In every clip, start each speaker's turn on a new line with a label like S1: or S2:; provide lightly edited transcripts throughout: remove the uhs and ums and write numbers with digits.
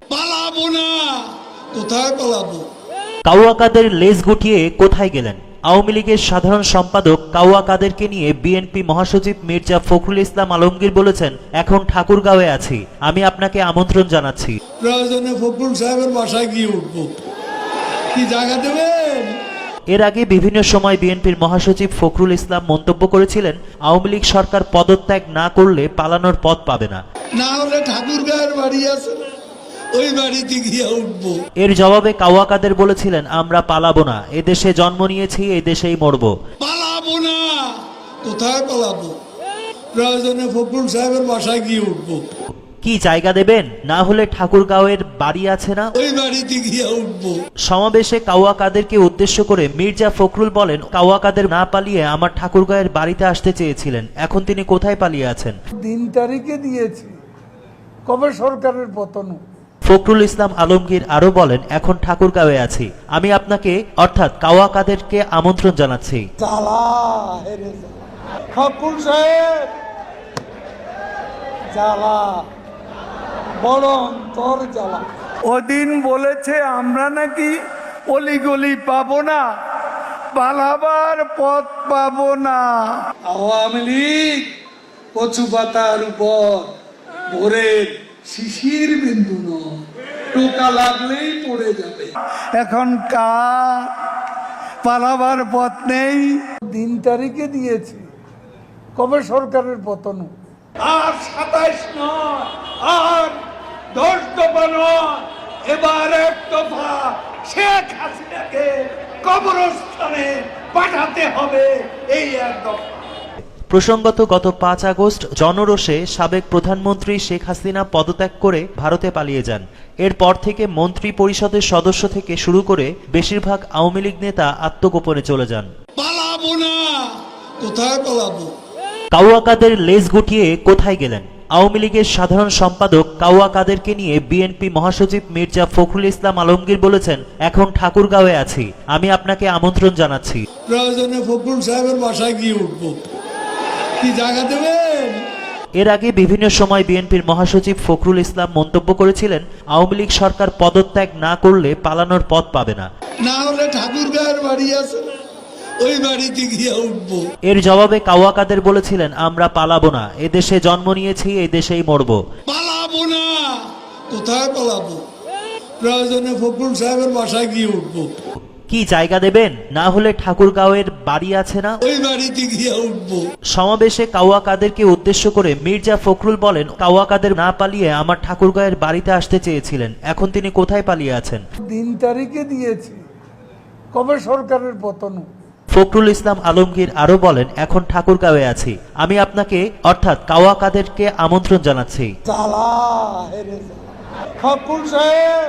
S1: পালাবো না। কোথায় পালাবো?
S2: কাউয়া কাদের লেজ গুটিয়ে কোথায় গেলেন? আওয়ামী লীগের সাধারণ সম্পাদক কাউয়া কাদেরকে নিয়ে বিএনপি মহাসচিব মির্জা ফখরুল ইসলাম আলমগীর বলেছেন, এখন ঠাকুরগাঁওয়ে আছি, আমি আপনাকে আমন্ত্রণ জানাচ্ছি।
S1: প্রয়োজনে ফখরুল সাহেবের বাসায় গিয়ে উঠবো। কি জায়গা দেবেন?
S2: এর আগে বিভিন্ন সময় বিএনপির মহাসচিব ফখরুল ইসলাম মন্তব্য করেছিলেন, আওয়ামী লীগ সরকার পদত্যাগ না করলে পালানোর পথ পাবে না।
S1: না হলে ঠাকুরগাঁয়ের বাড়ি আছে, ওই বাড়িতে গিয়ে উঠবো।
S2: এর জবাবে কাউয়া কাদের বলেছিলেন, আমরা পালাবো না, এদেশে জন্ম নিয়েছি, এই দেশেই মরব।
S1: পালাবো না। কোথায় পালাবো? প্রয়োজনে ফখরুল সাহেবের বাসায় গিয়ে উঠবো।
S2: কি জায়গা দেবেন? না হলে ঠাকুরগাঁওয়ের বাড়ি আছে না,
S1: ওই বাড়িতে গিয়ে উঠবো।
S2: সমাবেশে কাউয়া কাদেরকে উদ্দেশ্য করে মির্জা ফখরুল বলেন, কাউয়া কাদের না পালিয়ে আমার ঠাকুরগাঁয়ের বাড়িতে আসতে চেয়েছিলেন, এখন তিনি কোথায় পালিয়ে আছেন?
S3: দিন তারিখে দিয়েছি, কবে সরকারের পতন।
S2: ফখরুল ইসলাম আলমগীর আরো বলেন, এখন ঠাকুরগাঁওয়ে আছি, আমি আপনাকে অর্থাৎ কাউয়া কাদেরকে আমন্ত্রণ জানাচ্ছি।
S3: জ্বালা হেরে ফখরুল সাহেব, জ্বালা বড় অন্তর জ্বালা। ওদিন বলেছে আমরা নাকি অলিগলি পাবো না, পালাবার পথ পাবো না। আওয়ামী লীগ কচু পাতার উপর ভোরের শিশির বিন্দু নয়, টোকা লাগলেই পড়ে যাবে। এখন কার পালাবার পথ নেই। দিন তারিখে দিয়েছি, কবে সরকারের পতন। আর 27 নয়, আর 10 দফা নয়, এবার এক দফা শেখ হাসিনাকে কবরস্থানে পাঠাতে হবে, এই এক দফা।
S2: প্রসঙ্গত গত 5 আগস্ট জনরোষে সাবেক প্রধানমন্ত্রী শেখ হাসিনা পদত্যাগ করে ভারতে পালিয়ে যান। এরপর থেকে মন্ত্রী পরিষদের সদস্য থেকে শুরু করে বেশিরভাগ আওয়ামী লীগ নেতা আত্মগোপনে চলে যান।
S1: পালাবো না। কোথায় পালাবো?
S2: কাউয়া কাদের লেজ গুটিয়ে কোথায় গেলেন? আওয়ামী লীগের সাধারণ সম্পাদক কাউয়া কাদেরকে নিয়ে বিএনপি মহাসচিব মির্জা ফখরুল ইসলাম আলমগীর বলেছেন, এখন ঠাকুরগাঁওয়ে আছি, আমি আপনাকে আমন্ত্রণ জানাচ্ছি।
S1: প্রয়োজনে ফখরুল সাহেবের বাসায় গিয়ে উঠবো। কি জায়গা দেবেন?
S2: এর আগে বিভিন্ন সময় বিএনপির মহাসচিব ফখরুল ইসলাম মন্তব্য করেছিলেন, আওয়ামী লীগ সরকার পদত্যাগ না করলে পালানোর পথ পাবে না।
S1: না হলে ঠাকুরগাঁয়ের বাড়ি আছে, ওই বাড়িতে গিয়ে উঠবো।
S2: এর জবাবে কাউয়া কাদের বলেছিলেন, আমরা পালাবো না, এদেশে জন্ম নিয়েছি, এই দেশেই মরব।
S1: পালাবো না। কোথায় পালাবো? প্রয়োজনে ফখরুল সাহেবের বাসায় গিয়ে উঠবো।
S2: কি জায়গা দেবেন? না হলে ঠাকুরগাঁওয়ের বাড়ি আছে না,
S1: ওই বাড়িতে গিয়ে উঠবো।
S2: সমাবেশে কাউয়া কাদেরকে উদ্দেশ্য করে মির্জা ফখরুল বলেন, কাউয়া কাদের না পালিয়ে আমার ঠাকুরগাঁয়ের বাড়িতে আসতে চেয়েছিলেন, এখন তিনি কোথায় পালিয়ে আছেন?
S3: দিন তারিখে দিয়েছি, কবে সরকারের পতন।
S2: ফখরুল ইসলাম আলমগীর আরো বলেন, এখন ঠাকুরগাঁওয়ে আছি, আমি আপনাকে অর্থাৎ কাউয়া কাদেরকে আমন্ত্রণ জানাচ্ছি।
S3: জ্বালা হেরে ফখরুল সাহেব,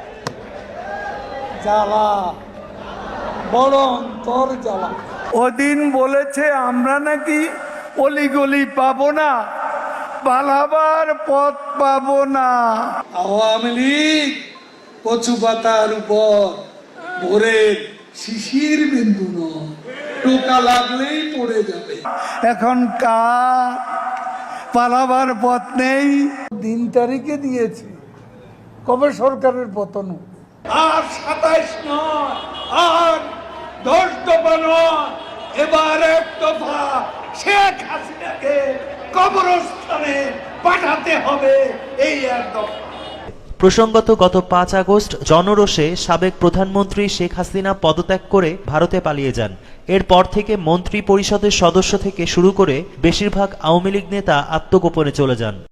S3: জ্বালা বড় অন্তর জ্বালা। ওদিন বলেছে আমরা নাকি অলিগলি পাবো না, পালাবার পথ পাবো না। আওয়ামী লীগ কচু পাতার উপর ভোরের শিশির বিন্দু নয়, টোকা লাগলেই পড়ে যাবে। এখন কার পালাবার পথ নেই। দিন তারিখে দিয়েছি, কবে সরকারের পতন। আর 27 নয়, আর 10 দফা নয়, এবার এক দফা শেখ হাসিনাকে কবরস্থানে পাঠাতে হবে, এই এক দফা।
S2: প্রসঙ্গত গত 5 আগস্ট জনরোষে সাবেক প্রধানমন্ত্রী শেখ হাসিনা পদত্যাগ করে ভারতে পালিয়ে যান। এরপর থেকে মন্ত্রী পরিষদের সদস্য থেকে শুরু করে বেশিরভাগ আওয়ামী লীগ নেতা আত্মগোপনে চলে যান।